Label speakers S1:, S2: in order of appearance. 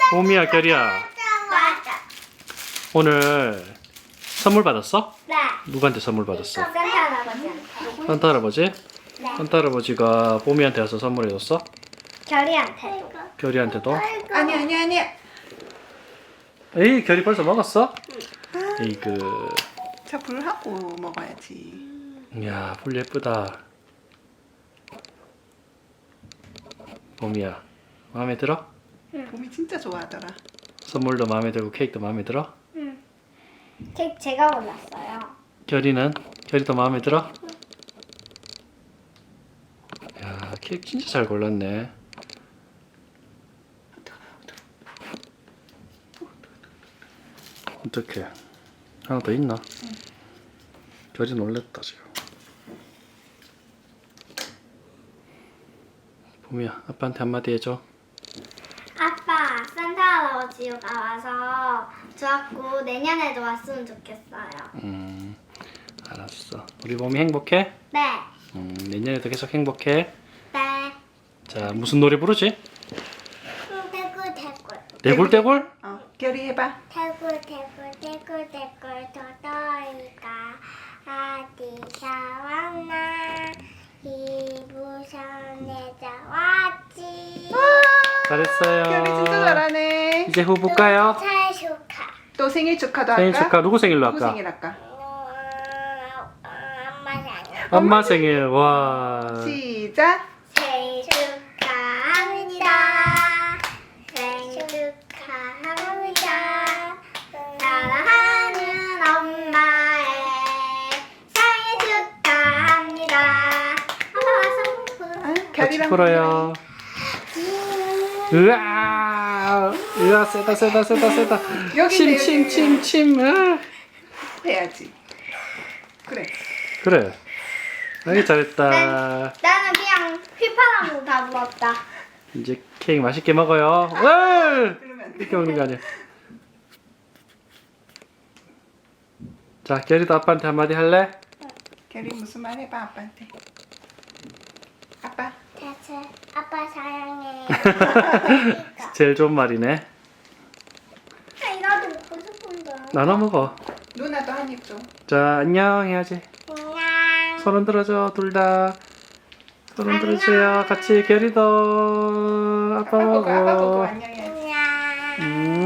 S1: 봄이야, 결이야.
S2: 맞아.
S1: 오늘 선물 받았어?
S2: 네.
S1: 누구한테 선물 받았어?
S2: 산타 할아버지한테.
S1: 산타 할아버지?
S2: 네.
S1: 산타 할아버지가 봄이한테 와서 선물해줬어?
S2: 결이한테도.
S1: 결이한테도?
S3: 아니.
S1: 에이, 결이 벌써 먹었어? 에이그.
S3: 자, 불하고 먹어야지.
S1: 이야, 불 예쁘다. 봄이야, 마음에 들어?
S3: 봄이 진짜 좋아하더라.
S1: 선물도 마음에 들고 케이크도 마음에 들어?
S2: 응. 케이크 제가 골랐어요.
S1: 결이는? 결이도 마음에 들어? 야, 케이크 진짜 잘 골랐네. 어떡해. 하나 더 있나? 결이 놀랬다 지금. 봄이야, 아빠한테 한마디 해줘.
S2: 아빠, 산타 할아버지가 와서 좋았고 내년에도 왔으면 좋겠어요.
S1: 알았어. 우리 봄이 행복해?
S2: 네.
S1: 내년에도 계속 행복해.
S2: 네.
S1: 자, 무슨 노래 부르지?
S2: 대굴.
S1: 대굴대굴?
S3: 결이 해봐.
S2: 대굴 도토리가 어디서 왔나 이부선에서 왔지.
S1: 잘했어요.
S3: 결이 진짜 잘하네.
S1: 이제 후 볼까요?
S2: 잘 축하.
S3: 또 생일 축하도 할까?
S1: 생일 축하. 누구 생일로
S3: 누구
S1: 할까?
S3: 생일 할까?
S2: 엄마 생일.
S1: 엄마 생일. 와.
S3: 시작.
S2: 생일 축하합니다. 생일 축하합니다. 사랑하는 엄마의 생일 축하합니다. 엄마 와서
S1: 같이
S3: 결이랑
S1: 풀어요. 으아. 으아, 세다.
S3: 여기
S1: 침. 아.
S3: 해야지. 그래.
S1: 그래. 아이, 잘했다.
S2: 나는 그냥 휘파람으로 다 불었다.
S1: 이제 케이크 맛있게 먹어요. 으아!
S3: 그러면 안 돼.
S1: 이렇게 먹는 거 아니야. 자, 결이도 아빠한테 한마디 할래?
S3: 결이 무슨 말 해봐 아빠한테. 아빠.
S2: 대체 아빠 사랑해.
S1: 제일 좋은 말이네.
S2: 나도 먹고 싶은데.
S1: 나눠 먹어.
S3: 누나도 한 입 줘.
S1: 자, 안녕 해야지.
S2: 안녕.
S1: 손 흔들어줘, 둘 다. 손 흔들어주세요. 같이 결이도 아빠
S3: 아빠 보고
S1: 먹어.
S3: 안녕해야지.
S2: 안녕.